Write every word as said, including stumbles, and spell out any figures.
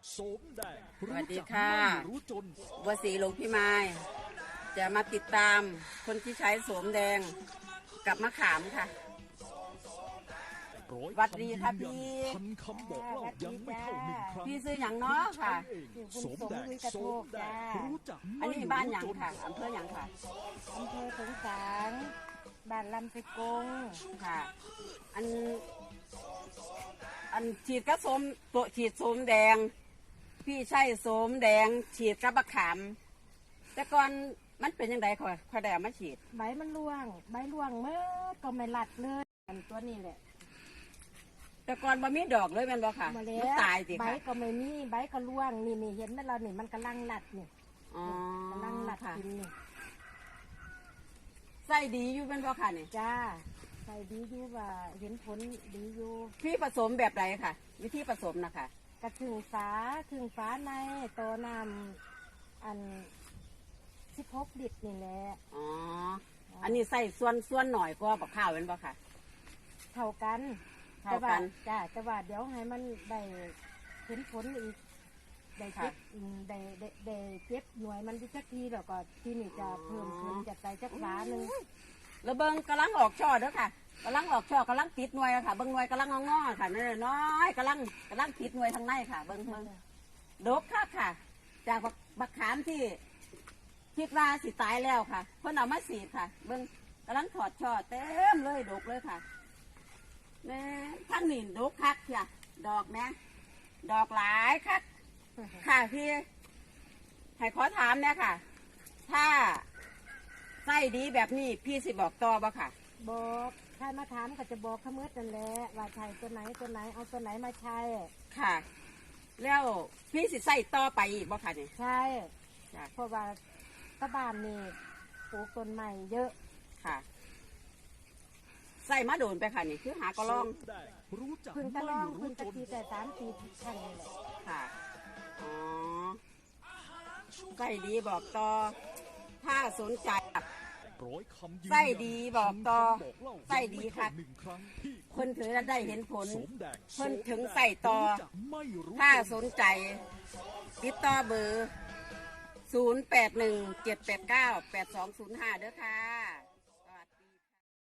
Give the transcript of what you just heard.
โสมแดงสวัสดีค่ะรู้จนบัวสีหลวงพี่ไม้จะมาติดตามคนที่ใช้โสมแดงกับมะขามค่ะร้อยหวัดดีค่ะำยืนยันพี่พันคำบอกเล่ายังไม่เท่าหนึ่งครั้งพี่ซื้ออย่างเนาะค่ะโสมแดงโสมแดงรู้จักอันนี้บ้านหยังค่ะอำเภอหยังค่ะอำเภอสงขลาบ้านลำไสกงค่ะ อัน อันฉีดกระสมตัวฉีดโสมแดง พี่ใช้โสมแดง ฉีดกับมะขาม แต่ก่อนมันเป็นยังไงค่อยค่อยได้เอามาฉีดใบมันร่วง ใบร่วงเมื่อก็ไม่หลัดเลยอันตัวนี้แหละแต่ก่อนบ่มีดอกเลยแม่นบ่ค่ะมาแล้มันวตายสิใบค่ะก็ไม่มีใบก็ร่วงนี่นี่เห็นไหมเรานี่มันกำลังหลัดนี่อ๋อกำลังหลัดค่ะกินนี่ไส้ดีอยู่เป็นบ่ค่ะนี่จ้าใส่ดีอยู่ว่าเห็นผลดีอยู่พี่ผสมแบบไรค่ะ วิธีผสมนะคะกระถึงฟ้าถึงฟ้าในตัวน้ำอันสิบหกลิตรนี่แหละอ๋อ อันนี้ใส่ส่วนส่วนหน่อยก็บักข้าวเป็นบ่ค่ะเท่ากันเท่ากันแต่ว่จ้าแต่ว่าเดี๋ยวให้มันได้เห็นผลอีกได้เจ็บอืมได้ได้ได้เจ็บหน่วยมันที่จักทีแล้วก็ที่นี่จะเพิ่มขึ้นจะใส่จักฟ้าหนึ่งแล้วเบิ้งกำลังออกช่อเด้อค่ะกำลังออกช่อกำลังติดหน่วยแล้วค่ะ เบิ้งหน่วยกำลังงอๆค่ะน้อยๆกำลังกำลังติดหน่วยทางในค่ะ เบิ้งเบิ้งดกค่ะค่ะ จากบักบักขามที่คิดว่าสิตายแล้วค่ะ เพิ่นเอามาสีดค่ะ เบิ้งกำลังถอดช่อเต็มเลยดกเลยค่ะแม่ท่านนี่ดกคักค่ะดอกแม่ดอกหลายคักค่ะพี่ให้ขอถามเนี่ยค่ะ ถ้าไส้ดีแบบนี้พี่สิบอกต่อบ่ค่ะบอกใครมาถามก็จะบอกเขาเมื่อนั่นแหละว่าใช้ตัวไหนตัวไหนเอาตัวไหนมาใช้ค่ะ แล้วพี่สิใส่ต่อไปอีกบ่ค่ะนี่ใช่จ้ะเพราะว่าตะบ้านนี่ปลูกต้นใหม่เยอะค่ะใส่มาโดนไปค่ะนี่คือหากระลองแดงรู้จักเพึ่งตะไม่ลองรู้เพึ่งจตะนทีแต่สามปีครั้งนี่แหละค่ะอ๋อใส่ดีบอกต่อถ้าสนใจร้อยคำยืนยันไส้ดีบอกต่อพันคำบอกเล่าไส้ดีค่ะยังไม่เท่าหนึ่งครั้งที่เพิ่นถือแล้วได้เห็นผลโสมแดงเพิ่นถึงใส่ต่อรู้จักไม่รู้ถ้าจนสนใจ ติดต่อเบอร์ ศูนย์ แปด หนึ่ง เจ็ด แปด เก้า แปด สอง ศูนย์ ห้า เด้อค่ะ